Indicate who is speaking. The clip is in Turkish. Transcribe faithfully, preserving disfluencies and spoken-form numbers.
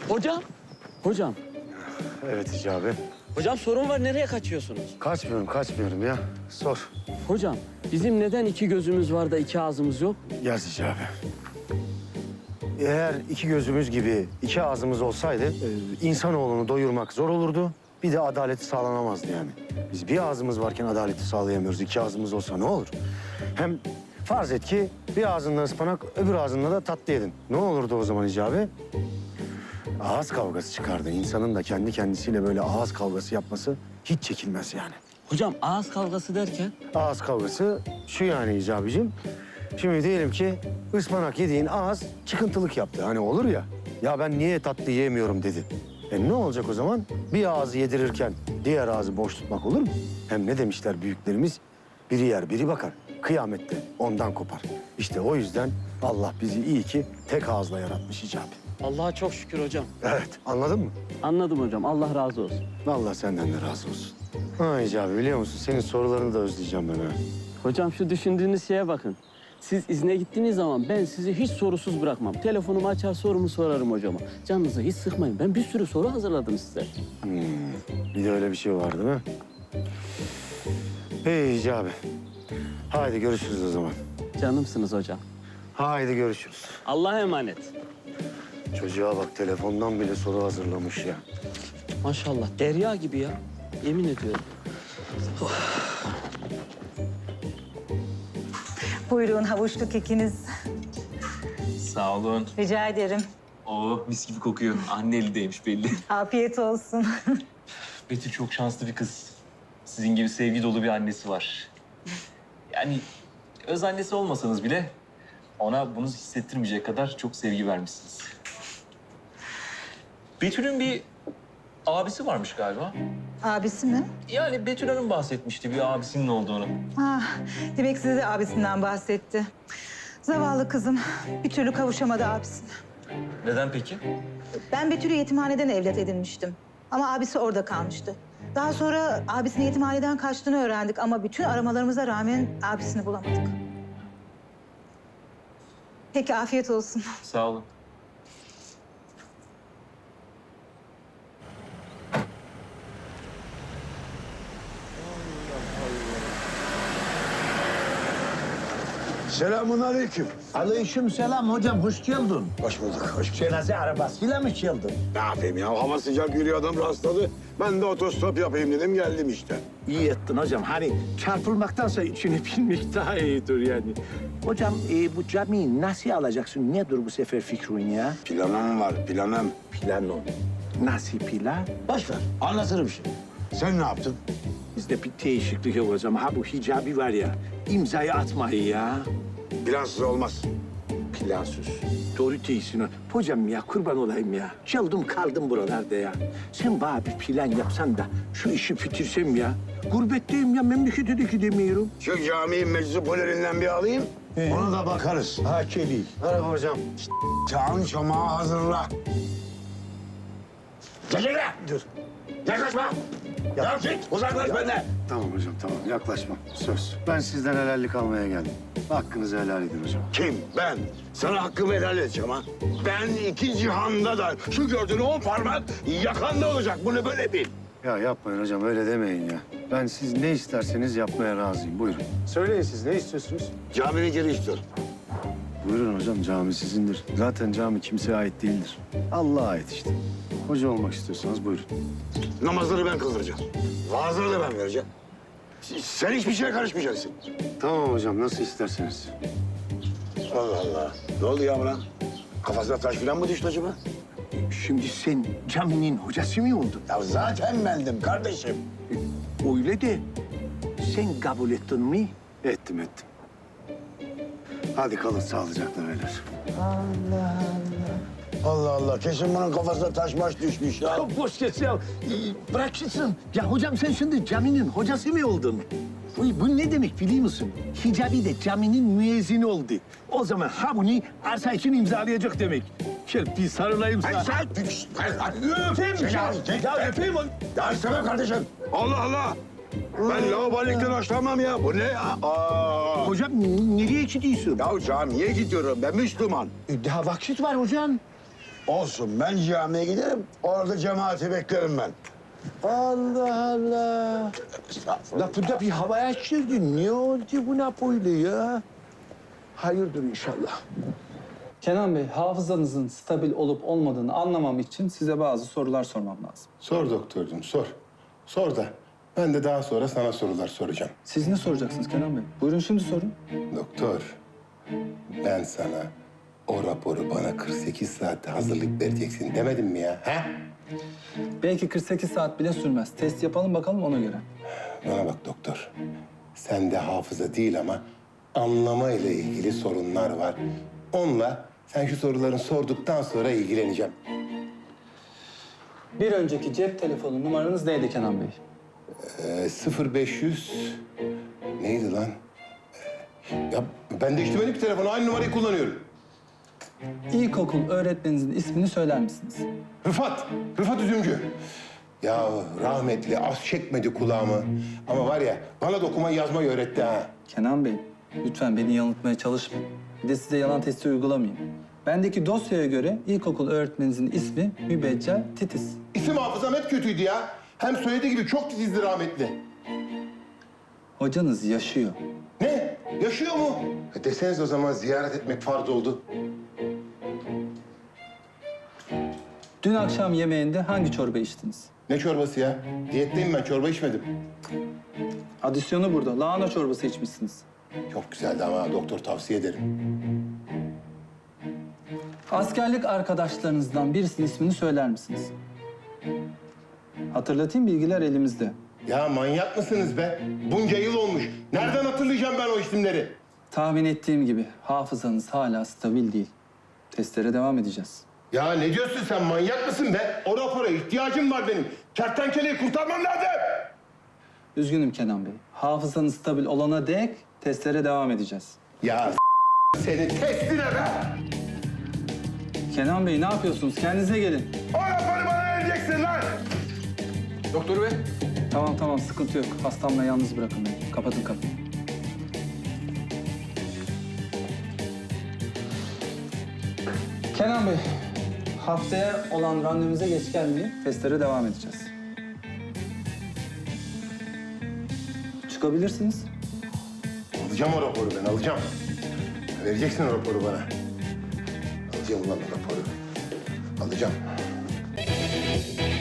Speaker 1: Hocam, hocam.
Speaker 2: Evet Hicabi.
Speaker 1: Hocam sorun var, nereye kaçıyorsunuz?
Speaker 2: Kaçmıyorum, kaçmıyorum ya. Sor.
Speaker 1: Hocam, bizim neden iki gözümüz var da iki ağzımız yok?
Speaker 2: Yaz Hicabi. Eğer iki gözümüz gibi iki ağzımız olsaydı... E, insanoğlunu doyurmak zor olurdu. Bir de adaleti sağlanamazdı yani. Biz bir ağzımız varken adaleti sağlayamıyoruz. İki ağzımız olsa ne olur? Hem farz et ki bir ağzından ıspanak, öbür ağzından da tatlı yedin. Ne olurdu o zaman Hicabi? Ağız kavgası çıkardı. İnsanın da kendi kendisiyle böyle ağız kavgası yapması hiç çekilmez yani.
Speaker 1: Hocam ağız kavgası derken?
Speaker 2: Ağız kavgası şu yani Hicabi'cim. Şimdi diyelim ki ıspanak yediğin ağız çıkıntılık yaptı. Hani olur ya, ya ben niye tatlı yiyemiyorum dedi. E ne olacak o zaman? Bir ağzı yedirirken diğer ağzı boş tutmak olur mu? Hem ne demişler büyüklerimiz? Biri yer, biri bakar. Kıyamette ondan kopar. İşte o yüzden Allah bizi iyi ki tek ağızla yaratmış Hicabi.
Speaker 1: Allah'a çok şükür hocam.
Speaker 2: Evet, anladın mı?
Speaker 1: Anladım hocam, Allah razı olsun.
Speaker 2: Allah senden de razı olsun. Ha Hicabi biliyor musun? Senin sorularını da özleyeceğim ben ha.
Speaker 1: Hocam şu düşündüğünüz şeye bakın. Siz izne gittiğiniz zaman ben sizi hiç sorusuz bırakmam. Telefonumu açar sorumu sorarım hocama. Canınızı hiç sıkmayın. Ben bir sürü soru hazırladım size.
Speaker 2: Hmm, bir de öyle bir şey var değil mi? Hey Hicabi. Haydi görüşürüz o zaman.
Speaker 1: Canımsınız hocam.
Speaker 2: Haydi görüşürüz.
Speaker 1: Allah'a emanet.
Speaker 2: Çocuğa bak telefondan bile soru hazırlamış ya.
Speaker 1: Maşallah derya gibi ya. Yemin ediyorum.
Speaker 3: Buyurun havuçlu kekiniz.
Speaker 4: Sağ olun.
Speaker 3: Rica ederim.
Speaker 4: Oo, mis gibi kokuyor. Anne elindeymiş belli.
Speaker 3: Afiyet olsun.
Speaker 4: Betül çok şanslı bir kız. Sizin gibi sevgi dolu bir annesi var. Yani öz annesi olmasanız bile ona bunu hissettirmeyecek kadar çok sevgi vermişsiniz. Betül'ün bir abisi varmış galiba.
Speaker 3: Abisi mi?
Speaker 4: Yani Betül Hanım bahsetmişti bir abisinin olduğunu.
Speaker 3: Ah, demek size de abisinden bahsetti. Zavallı kızım bir türlü kavuşamadı abisine.
Speaker 4: Neden peki?
Speaker 3: Ben Betül'ü yetimhaneden evlat edinmiştim. Ama abisi orada kalmıştı. Daha sonra abisinin yetimhaneden kaçtığını öğrendik ama bütün aramalarımıza rağmen abisini bulamadık. Peki afiyet olsun.
Speaker 4: Sağ olun.
Speaker 5: Selamun aleyküm.
Speaker 6: Aleyküm selam hocam, hoş geldin.
Speaker 5: Hoş bulduk, hoş bulduk.
Speaker 6: Cenaze arabasıyla mı geldin?
Speaker 5: Ne yapayım ya? Hava sıcak yürüyor, adam rastladı. Ben de otostop yapayım dedim, geldim işte.
Speaker 6: İyi ettin hocam. Hani çarpılmaktansa içine binmek daha iyidir yani. Hocam e, bu camiyi nasıl alacaksın? Nedir bu sefer fikrin ya?
Speaker 5: Planım var, planım.
Speaker 6: Plan o. Nasıl plan?
Speaker 5: Boş ver, anlatırım şimdi. Sen ne yaptın?
Speaker 6: Bizde bir değişiklik yok hocam. Ha bu hicabi var ya, imzayı atmayı ya.
Speaker 5: Plansız olmaz.
Speaker 6: Plansız. Doğru değilsin. ha. Hocam ya kurban olayım ya. Çaldım kaldım buralarda ya. Sen bana bir plan yapsan da şu işi bitirsem ya. Gurbetteyim ya, memlekete de gidemiyorum.
Speaker 5: Şu camiyi meczupolerinden bir alayım, ona da bakarız.
Speaker 6: Ha Çeli.
Speaker 2: Merhaba hocam.
Speaker 5: Çağın çamağı hazırla. Çekil lan!
Speaker 2: Dur.
Speaker 5: Yaklaşma! Ya git, uzaklaş benden!
Speaker 2: Tamam hocam tamam yaklaşma. Söz. Ben sizden helallik almaya geldim. Hakkınızı helal edin hocam.
Speaker 5: Kim? Ben. Sana hakkımı helal edeceğim ha. Ben iki cihanda da şu gördüğün on parmak yakanda olacak. Bunu böyle bil.
Speaker 2: Ya yapmayın hocam öyle demeyin ya. Ben siz ne isterseniz yapmaya razıyım. Buyurun. Söyleyin siz ne istiyorsunuz?
Speaker 5: Caminin geri istiyorum.
Speaker 2: Buyurun hocam cami sizindir. Zaten cami kimseye ait değildir. Allah'a ait işte. Hoca olmak istiyorsanız buyurun.
Speaker 5: Namazları ben kıldıracağım. Vaazları da ben vereceğim. Sen hiçbir şeye karışmayacaksın.
Speaker 2: Tamam hocam nasıl isterseniz.
Speaker 5: Allah Allah. Ne oldu ya buna? Kafasına taş falan mı düştü acaba?
Speaker 6: Şimdi sen caminin hocası mı oldun?
Speaker 5: Ya zaten bendim kardeşim.
Speaker 6: Öyle de sen kabul ettin mi?
Speaker 2: Ettim ettim. Hadi kalın sağlıcakla beyler.
Speaker 5: Allah Allah. Kesin bunun kafasına taş maş düşmüş ya.
Speaker 6: Ya boş geç ya. Ee, Bırak gitsin. Ya hocam sen şimdi caminin hocası mı oldun? Bu, bu ne demek biliyor musun? Hicabi de caminin müezzini oldu. O zaman ha bunu arsa için imzalayacak demek. Gel bir sarılayım sana.
Speaker 5: Ay sen...
Speaker 6: Öpeyim ya. Ya öpeyim onu.
Speaker 5: Ya istemem kardeşim. Allah Allah. Ben lavabolikten hoşlanmam ya. Bu ne ya? Aa.
Speaker 6: Hocam n- nereye gidiyorsun?
Speaker 5: Ya camiye gidiyorum. Ben Müslüman.
Speaker 6: E, Daha vakit var hocam.
Speaker 5: Olsun, ben camiye giderim. Orada cemaati beklerim ben.
Speaker 6: Allah Allah. Lafında bir havaya çirdin. Ne oldu buna böyle ya? Hayırdır inşallah.
Speaker 7: Kenan Bey, hafızanızın stabil olup olmadığını anlamam için size bazı sorular sormam lazım.
Speaker 8: Sor doktorcum, sor. Sor da ben de daha sonra sana sorular soracağım.
Speaker 7: Siz ne soracaksınız Kenan Bey? Buyurun şimdi sorun.
Speaker 8: Doktor, ben sana o raporu bana kırk sekiz saatte hazırlayıp vereceksin demedim mi ya? Ha?
Speaker 7: Belki kırk sekiz saat bile sürmez. Test yapalım bakalım ona göre.
Speaker 8: Bana bak doktor. Sende hafıza değil ama anlama ile ilgili sorunlar var. Onunla sen şu soruların sorduktan sonra ilgileneceğim.
Speaker 7: Bir önceki cep telefonu numaranız neydi Kenan Bey?
Speaker 8: Ee, sıfır beş yüz neydi lan? Ee, Ya ben değiştirmedim ki telefonu. Aynı numarayı kullanıyorum.
Speaker 7: İlkokul öğretmeninizin ismini söyler misiniz?
Speaker 8: Rıfat, Rıfat Üzümcü. Ya rahmetli az çekmedi kulağımı. Ama var ya bana da okumayı yazmayı öğretti ha.
Speaker 7: Kenan Bey, lütfen beni yanıltmaya çalışmayın. Bir de size yalan testi uygulamayayım. Bendeki dosyaya göre ilkokul öğretmeninizin ismi Mübeccel Titiz.
Speaker 8: İsim hafızam hep kötüydü ya. Hem söylediği gibi çok titizdi rahmetli.
Speaker 7: Hocanız yaşıyor.
Speaker 8: Ne? Yaşıyor mu? E deseniz o zaman ziyaret etmek farz oldu.
Speaker 7: Dün akşam yemeğinde hangi çorba içtiniz?
Speaker 8: Ne çorbası ya? Diyetteyim ben, çorba içmedim.
Speaker 7: Adisyonu burada. Lahana çorbası içmişsiniz.
Speaker 8: Çok güzeldi ama doktor tavsiye ederim.
Speaker 7: Askerlik arkadaşlarınızdan birisinin ismini söyler misiniz? Hatırlatayım, bilgiler elimizde.
Speaker 8: Ya manyak mısınız be? Bunca yıl olmuş. Nereden hatırlayacağım ben o isimleri?
Speaker 7: Tahmin ettiğim gibi hafızanız hala stabil değil. Testlere devam edeceğiz.
Speaker 8: Ya ne diyorsun sen? Manyak mısın be? O rapora ihtiyacım var benim. Kertenkeleyi kurtarmam lazım.
Speaker 7: Üzgünüm Kenan Bey. Hafızanız stabil olana dek testlere devam edeceğiz.
Speaker 8: Ya s- senin testine be!
Speaker 7: Kenan Bey ne yapıyorsunuz? Kendinize gelin.
Speaker 8: O raporu bana vereceksin lan!
Speaker 7: Doktor Bey. Tamam tamam sıkıntı yok. Hastamla yalnız bırakın beni. Kapatın kapıyı. Kenan Bey, haftaya olan randevunuza geç gelmeyin. Testlere devam edeceğiz. Çıkabilirsiniz.
Speaker 8: Alacağım o raporu ben, alacağım. Vereceksin o raporu bana. Alacağım ulan o raporu. Alacağım.